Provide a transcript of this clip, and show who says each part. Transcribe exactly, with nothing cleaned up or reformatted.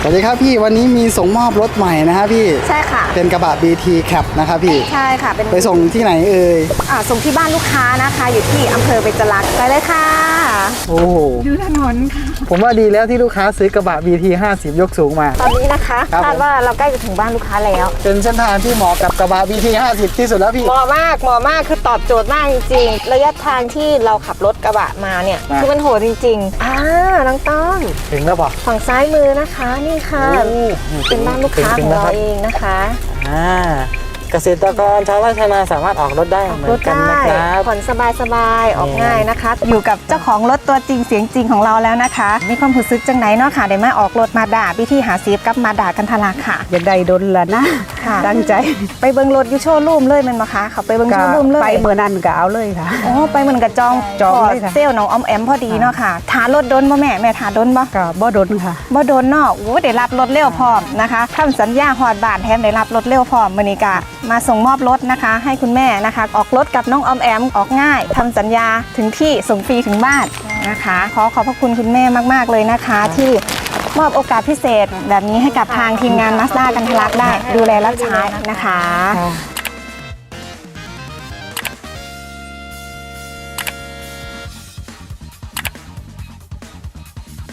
Speaker 1: สวัสดีครับพี่วันนี้มีส่งมอบรถใหม่นะฮะพี่
Speaker 2: ใช่ค่ะ
Speaker 1: เป็นกระบะ บี ที Cab นะครับพี่
Speaker 2: ใช่ค่ะเป็น
Speaker 1: ไปส่งที่ไหนเอ่ย
Speaker 2: อ่าส่งที่บ้านลูกค้านะคะอยู่ที่อำเภอเบญจรักษ์ไปเลยค่ะ
Speaker 1: โอ้โห
Speaker 2: ดูถนนค่ะ
Speaker 1: ผมว่าดีแล้วที่ลูกค้าซื้อกระบะ บี ที ห้าสิบ ยกสูงมา
Speaker 2: ตอนนี้นะคะคาดว่าเราใกล้จะถึงบ้านลูกค้าแล้ว
Speaker 1: เป็นเส้นทางที่เหมาะกับกระบะ บี ที ห้าสิบ ที่สุดแล้วพี่
Speaker 2: เหมาะมากเหมาะมากคือตอบโจทย์มากจริงๆระยะทางที่เราขับรถกระบะมาเนี่ยคือมันโหดจริงๆอ่าน้องต้อง
Speaker 1: ถึงแล้วป่ะ
Speaker 2: ฝั่งซ้ายมือนะคะนี่ค่ะเป็นบ้านลูกค้าของเราเองนะคะ
Speaker 1: อ่าเกษตรกรชาวไร่ชาวนาสามารถออกรถได้เหมือนกันนะครับ
Speaker 2: ผ่อนสบายๆออกง่ายนะคะอยู่กับเจ้าของรถตัวจริงเสียงจริงของเราแล้วนะคะมีความรู้สึกจังไหนเนาะค่ะได้มาออกรถมาด่าพี่ที่หาซีฟกับมาด่ากันทลาค่ะ
Speaker 3: อยากได้ดนละนะตั้งใจ
Speaker 2: ไปเบิ้งรถยูโชว์รูมเลยมันมาคะเขาไปเบิ้งโชว์รูมเลย
Speaker 3: ไปเมื่อนั้นก็เอาเลยค่ะ
Speaker 2: อ๋อไปเหมือนกับจอง
Speaker 3: จองเลยค่ะ
Speaker 2: เซลน้องออมแอมพอดีเนาะค่ะทารถดนบ่แม่แม่ทาดนบ่
Speaker 3: ก็บ่ดนค่ะ
Speaker 2: บ่ดนเนาะโอ้ได้รับรถเร็วพร้อมนะคะทำสัญญาฮอดบ้านแถมได้รับรถเร็วพร้อมมื้อนี้ก็มาส่งมอบรถนะคะให้คุณแม่นะคะออกรถกับน้องออมแอมออกง่ายทำสัญญาถึงที่ส่งฟรีถึงบ้านนะคะขอขอบพระคุณคุณแม่มากๆเลยนะคะที่มอบโอกาสพิเศษแบบนี้ให้กับทางทีมงาน Mazda กันทะลักได้ดูแลรับใช้นะคะ